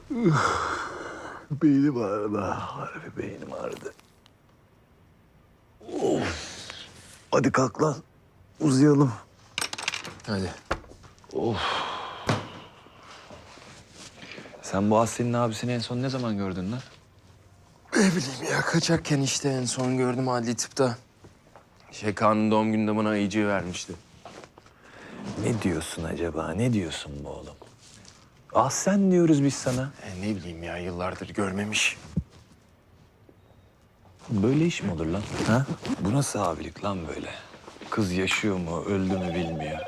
Beynim ağrıdı. Harbi beynim ağrıdı. Of. Hadi kalk lan. Uzayalım. Hadi. Sen bu Aslı'nın abisini en son ne zaman gördün lan? Ne bileyim ya, kaçarken işte en son gördüm adli tıpta. Kaan'ın doğum gününde bana ayıcığı vermişti. Ne diyorsun acaba? Ne diyorsun bu oğlum? Ah sen diyoruz biz sana. Ne bileyim ya, yıllardır görmemiş. Böyle iş mi olur lan? Ha? Bu nasıl abilik lan böyle? Kız yaşıyor mu, öldü mü bilmiyor.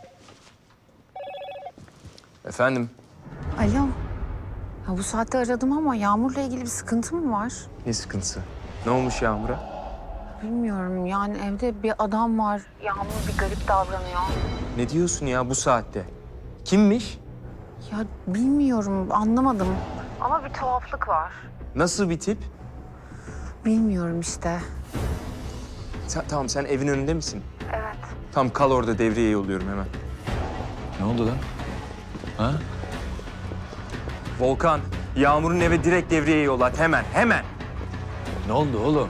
Efendim? Alo. Ya bu saatte aradım ama Yağmur'la ilgili bir sıkıntı mı var? Ne sıkıntısı? Ne olmuş Yağmur'a? Bilmiyorum yani evde bir adam var. Yağmur bir garip davranıyor. Ne diyorsun ya bu saatte? Kimmiş? Ya bilmiyorum anlamadım. Ama bir tuhaflık var. Nasıl bir tip? Bilmiyorum işte. Tamam, sen evin önünde misin? Evet. Tamam, kal orada, devreye yolluyorum hemen. Ne oldu lan? Ha? Volkan, Yağmur'un eve direkt devreye yollat, hemen, hemen. Ne oldu oğlum?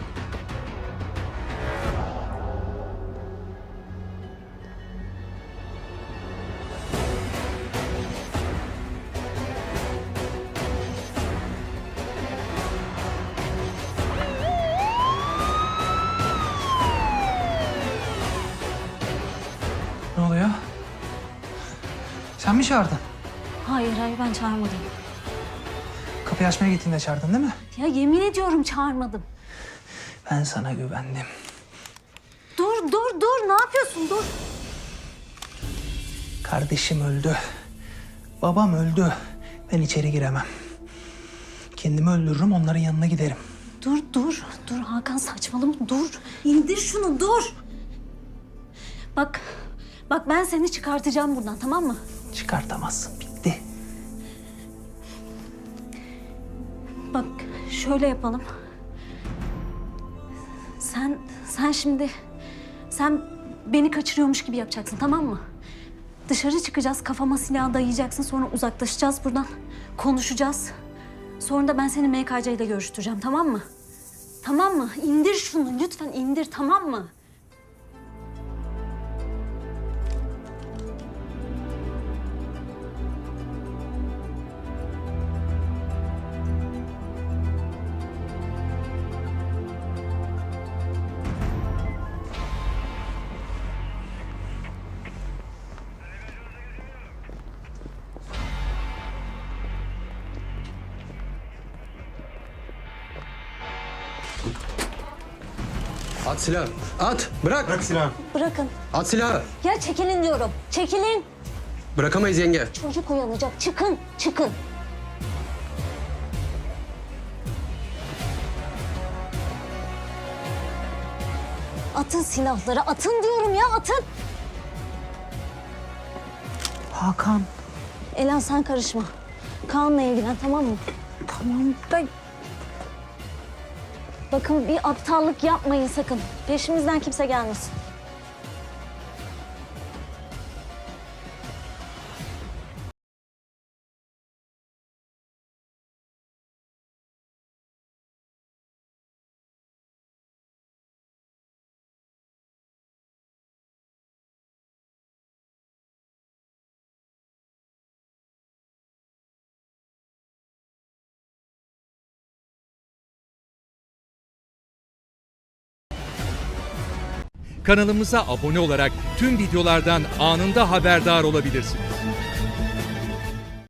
Ne oluyor? Sen mi çağırdın? Hayır ben çağırmadım. Kapıyı açmaya gittiğinde çağırdın değil mi? Ya yemin ediyorum çağırmadım. Ben sana güvendim. Dur ne yapıyorsun dur. Kardeşim öldü. Babam öldü. Ben içeri giremem. Kendimi öldürürüm, onların yanına giderim. Dur Hakan saçmalama dur. İndir şunu dur. Bak ben seni çıkartacağım buradan tamam mı? Çıkartamazsın, bitti. Bak şöyle yapalım. Sen şimdi beni kaçırıyormuş gibi yapacaksın tamam mı? Dışarı çıkacağız, kafama silah dayayacaksın, sonra uzaklaşacağız buradan. Konuşacağız. Sonra da ben seni MKC ile görüştüreceğim tamam mı? Tamam mı? İndir şunu lütfen indir tamam mı? At silahı. At. Bırak. Bırak silahı. Bırakın. At silahı. Ya çekilin diyorum. Çekilin. Bırakamayız yenge. Çocuk uyanacak. Çıkın. Atın silahları. Atın diyorum ya atın. Hakan. Elan sen karışma. Kaan'la ilgilen tamam mı? Tamam da Bakın bir aptallık yapmayın sakın. Peşimizden kimse gelmesin. Kanalımıza abone olarak tüm videolardan anında haberdar olabilirsiniz.